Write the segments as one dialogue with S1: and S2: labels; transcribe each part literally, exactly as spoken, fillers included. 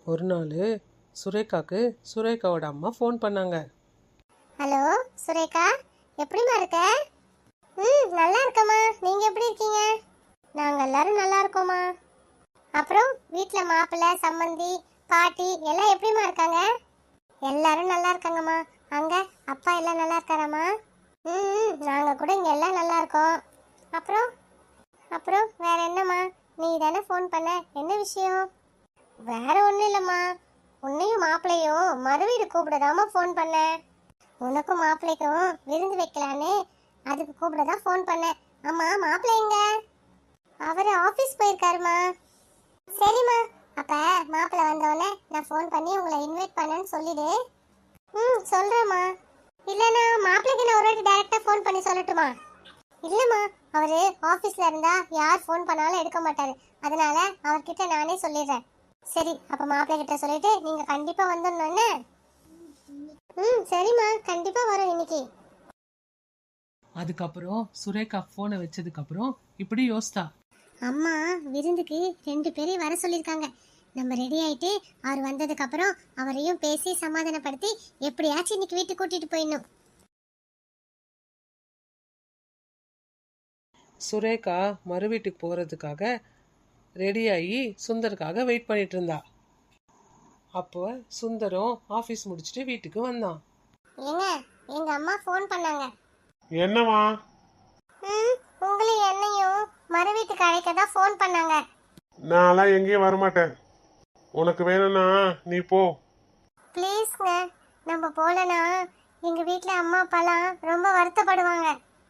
S1: ஒரு நாள் சுரேகாக்கு சுரேகாவோட அம்மா ஃபோன் பண்ணாங்க.
S2: ஹலோ சுரேகா, எப்படிமா இருக்க? ம் நல்லா இருக்கம்மா, நீங்கள் எப்படி இருக்கீங்க? நாங்கள் எல்லாரும் நல்லா இருக்கோம்மா. அப்புறம் வீட்டில் மாப்பிள்ளை, சம்மந்தி, பாட்டி எல்லாம் எப்படிமா இருக்காங்க? எல்லாரும் நல்லா இருக்காங்கம்மா. அங்கே அப்பா எல்லாம் நல்லா இருக்காராம்மா? ம் நாங்கள் கூட இங்கே எல்லாம் நல்லா இருக்கோம். அப்புறம் அப்புறம் வேற என்னம்மா, நீ தானே ஃபோன் பண்ண, என்ன விஷயம்? வேற ஒன்றும் இல்லைம்மா, உன்னையும் மாப்பிள்ளையும் மறுவீடு கூப்பிடதாம்மா ஃபோன் பண்ணேன். உனக்கும் மாப்பிள்ளைக்கும் விருந்து வைக்கலான்னு அதுக்கு கூப்பிட தான் ஃபோன் பண்ணேன். ஆமா, மாப்பிள்ளை எங்க? அவர் ஆஃபீஸ் போயிருக்காருமா. சரிம்மா, அப்ப மாப்பிள்ளை வந்தோடனே நான் ஃபோன் பண்ணி உங்களை இன்வைட் பண்ணேன்னு சொல்லிடு. ம் சொல்கிறேம்மா. இல்லைண்ணா மாப்பிள்ளைக்கு நான் ஒரு வாட்டி டேரெக்டாக ஃபோன் பண்ணி சொல்லட்டுமா? இல்லைம்மா, அவர் ஆஃபீஸில் இருந்தால் யார் ஃபோன் பண்ணாலும் எடுக்க மாட்டார், அதனால அவர்கிட்ட நானே சொல்லிடுறேன். சரி, அப்போ மாப்பிள்ளை கிட்ட சொல்லிட்டு நீங்கள் கண்டிப்பாக வந்துடணுன்னு. ம் சரிம்மா, கண்டிப்பாக வரோம் இன்னைக்கு.
S1: அதுக்கப்புறம் சுரேகா ஃபோனை வச்சதுக்கப்புறம் இப்படி யோசித்தா.
S2: அம்மா விருந்துக்கு ரெண்டு பேரையும் வர சொல்லியிருக்காங்க. நம்ம ரெடி ஆயிட்டு அவர் வந்ததுக்கு அப்புறம் அவரையும் பேசி சமாதானப்படுத்தி எப்படியாச்சும் இன்னைக்கு வீட்டுக்கு கூட்டிட்டு போயிடணும்.
S1: சுரேகா மறு வீட்டுக்கு போகிறதுக்காக ரெடியாகி சுந்தருக்காக வெயிட் பண்ணிட்டு இருந்தா. அப்போ சுந்தரம் ஆஃபீஸ் முடிச்சுட்டு வீட்டுக்கு வந்தான்.
S2: ஏங்க, எங்க அம்மா ஃபோன் பண்ணாங்க.
S3: என்னவா?
S2: ம் உங்களையும் என்னையும் மறு வீட்டுக்கு அழைக்க தான் ஃபோன் பண்ணாங்க.
S3: நான்லாம் எங்கேயும் வரமாட்டேன். உனக்கு வேணும்னா நீ போ.
S2: ப்ளீஸ்ங்க, நம்ம போலனா எங்க வீட்டில் அம்மா அப்பாலாம் ரொம்ப வருத்தப்படுவாங்க.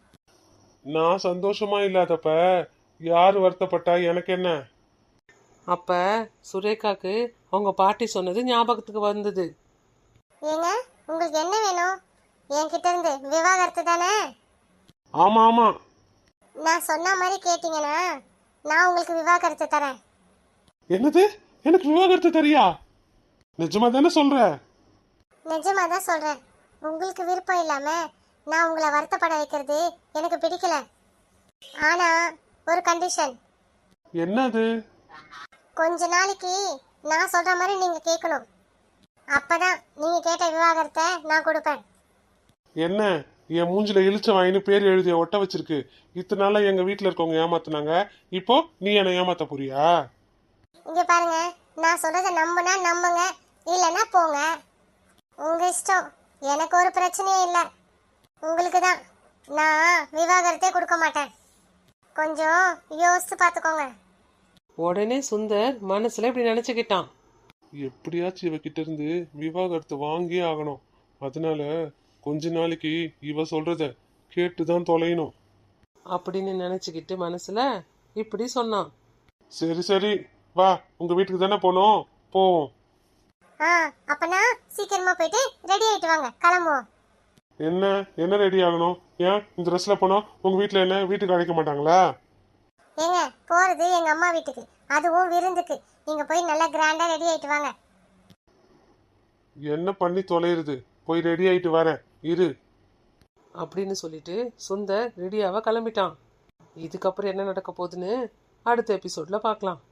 S3: நான் சந்தோஷமா இல்லாதப்ப யார் வருத்தப்பட்டா எனக்கு என்ன?
S1: அப்போ சுரேகாக்கு அவங்க பாட்டி சொன்னது ஞாபகத்துக்கு வந்தது.
S2: ஏங்க, உங்களுக்கு என்ன வேணும்? என்கிட்ட இருந்து விவாகரத்து தானே?
S3: ஆமா ஆமா,
S2: நான் சொன்ன மாதிரி கேட்டீங்கன்னா நான் உங்களுக்கு விவாகரத்து தரேன்.
S3: என்னது? எனக்கு விவாகரத்து தெரியா? நிஜமா தானே சொல்ற?
S2: நிஜமா தான் சொல்றேன். உங்களுக்கு விருப்பம் இல்லாம நான் உங்களை வருத்தப்பட வைக்கிறது எனக்கு பிடிக்கல. ஆனா ஒரு கண்டிஷன்.
S3: என்னது?
S2: கொஞ்ச நாளைக்கு நான் சொல்ற மாதிரி நீங்க கேட்கணும். அப்பதான் நீங்க கேட்ட விவாகரத்தை நான் கொடுப்பேன்.
S3: என்ன, என் மூஞ்சில இழிச்ச வாயின்னு பேர் எழுதிய ஒட்ட வச்சிருக்கு. இத்தனை நாளா எங்க வீட்டுல இருக்கவங்க ஏமாத்துனாங்க, இப்போ நீ என்ன ஏமாத்த போறியா?
S2: இங்க பாருங்க, நான் சொல்றத நம்புனா நம்புங்க, இல்லைன்னா போங்க, உங்க இஷ்டம். எனக்கு ஒரு பிரச்சனையும் இல்லை. உங்களுக்கு தான் நான் விவாகரத்தே கொடுக்க மாட்டேன். கொஞ்சம் யோசித்து பார்த்துக்கோங்க.
S1: உடனே சுந்தர் மனசுல இப்படி நினைச்சுக்கிட்டான்.
S3: எப்படியாச்சும் இவகிட்ட இருந்து விவாகரத்து வாங்கியே ஆகணும். அதனால கொஞ்ச நாளைக்கு இவ சொல்றத கேட்டுதான் தொலையணும்
S1: அப்படின்னு நினைச்சுக்கிட்டு மனசுல இப்படி சொன்னான்.
S3: சரி சரி, வா, உங்க வீட்டுக்கு தானே போனோம், போவோம்.
S2: ஆ அப்பனா சீக்கிரமா போயிட்டு ரெடி ஆயிட்டு வாங்க, கிளம்புவோம்.
S3: என்ன என்ன ரெடி ஆகணும்? ஏன் இந்த ட்ரெஸ்ல போனா உங்க வீட்டுல என்ன வீட்டுக்கு அழைக்க மாட்டாங்களா?
S2: ஏங்க, போறது எங்க அம்மா வீட்டுக்கு, அதுவும் விருந்துக்கு. நீங்க போய் நல்லா கிராண்டா ரெடி ஆயிட்டு வாங்க.
S3: என்ன பண்ணி தொலைறது? போய் ரெடி ஆயிட்டு வரேன் இரு
S1: அப்படின்னு சொல்லிட்டு சுந்தர் ரெடியாவ கிளம்பிட்டான். இதுக்கப்புறம் என்ன நடக்க போகுதுன்னு அடுத்த எபிசோட்ல பார்க்கலாம்.